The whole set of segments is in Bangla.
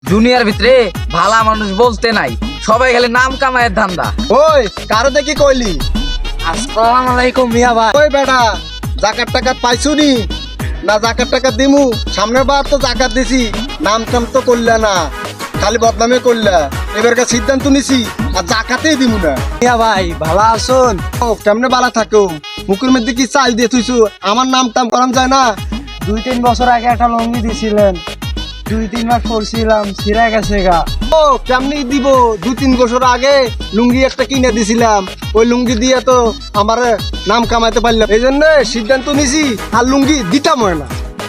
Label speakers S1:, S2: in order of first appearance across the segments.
S1: দুনিয়ার ভিতরে ভালা মানুষ বলতে নাই, সবাই খালি নাম কামায়ের ধান্দা।
S2: ওই কারো দেখি কইলি?
S1: আসসালামু আলাইকুম মিয়া ভাই।
S2: ওই বেটা, জাকাত টাকাত পাইছু নি? না জাকাত টাকাত দিমু? সামনের বার তো জাকাত দিছি, নাম টাম তো করলা না, খালি বদনামে করলা। এবারকার সিদ্ধান্ত নিছি আর জাকাতেই দিমু না।
S3: মিয়া ভাই ভালো আছেন?
S2: ও কেমনে বালা থাকো? মুখের মধ্যে কি চাল দিয়ে থুইছু? আমার নাম টাম করাম যায় না?
S3: 2-3 বছর আগে একটা লঙ্গি দিছিলেন, 2-3 মাস পরছিলাম, ছিঁড়া গেছে গা।
S2: ও কেমনি দিব? 2-3 বছর আগে লুঙ্গি একটা কিনে দিছিলাম, ওই লুঙ্গি দিয়ে তো আমার নাম কামাইতে পারলাম, এই জন্য সিদ্ধান্ত নিছি আর লুঙ্গি দিতাম না।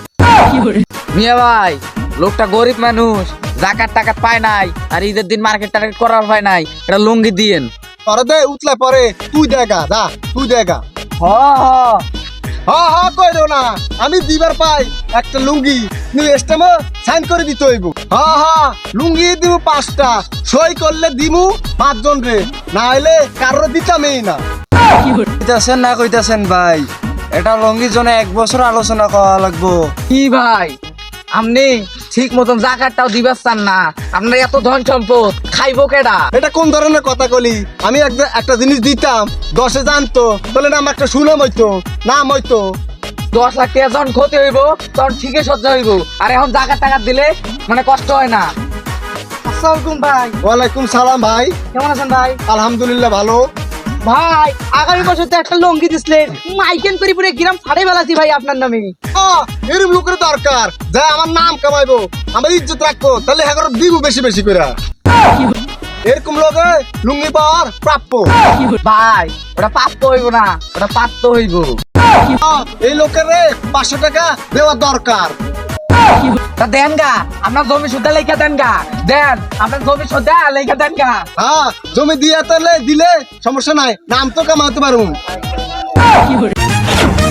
S1: মিয়া ভাই, লোকটা গরিব মানুষ, জাকাত টাকাত পায় নাই, আর ঈদের দিন মার্কেট টার্কেট করার পায় নাই, এটা লুঙ্গি দিয়েন।
S2: পরে দে উতলে পরে তুই দেখা যা, তুই দেখা।
S3: হ হ
S2: হ্যাঁ কইরো না, আমি দিবার পাই একটা লুঙ্গি, তুই স্টেমে সাইন করে দিতে হইব। হ্যাঁ লুঙ্গি দিব 5টা, সই করলে দিমু 5 জন রে, না হইলে কারোর দিতামই না।
S3: কইতাছেন না কইতাছেন ভাই, এটা লঙ্গির জন্য 1 বছর আলোচনা করা লাগবো।
S1: কি ভাই, আপনি ঠিক মতন জাকাতটাও দিবার চান না? আপনার এত ধন সম্পদ খাইবো কেডা?
S2: এটা কোন ধরনের কথা কলি? আমি একটা জিনিস দিতাম, 10 জানতো, তাহলে না আমার একটা সুনাম হইতো, নাম হইতো।
S1: 10 লাখ টাকা যখন ক্ষতি হইব তখন ঠিকই সহ্য হইব, আর এখন জাকাত টাকাত দিলে মানে কষ্ট হয় না।
S3: আসসালামু ভাই,
S2: ওয়ালাইকুম সালাম ভাই।
S3: কেমন আছেন ভাই?
S2: আলহামদুলিল্লাহ ভালো।
S3: ভাই আগামী বছর তো একটা লঙ্গি দিছিলেন, মাইকেন করে পুরো গ্রাম ফাড়ে বেলাছি ভাই আপনার নামে।
S2: এরকম লোকের দরকার যা আমার নাম কামাইবো, আমার ইজ্জত রাখবো, তাহলে হ্যাঁ দিব বেশি বেশি করে। এরকম লোকে লুঙ্গি পাওয়ার প্রাপ্য।
S1: ভাই ওটা প্রাপ্ত হইব না, ওটা প্রাপ্ত হইব।
S2: এই লোকের 500 টাকা দেওয়া দরকার।
S1: তা দেন গা, আপনার জমি সুদ্ধা লেখা দেন গা, দেন আপনার জমি সুদ্ধা লেখা দেন গা।
S2: হ্যাঁ জমি দিয়ে তাহলে দিলে সমস্যা নাই, নাম তো কামাতে পারুন।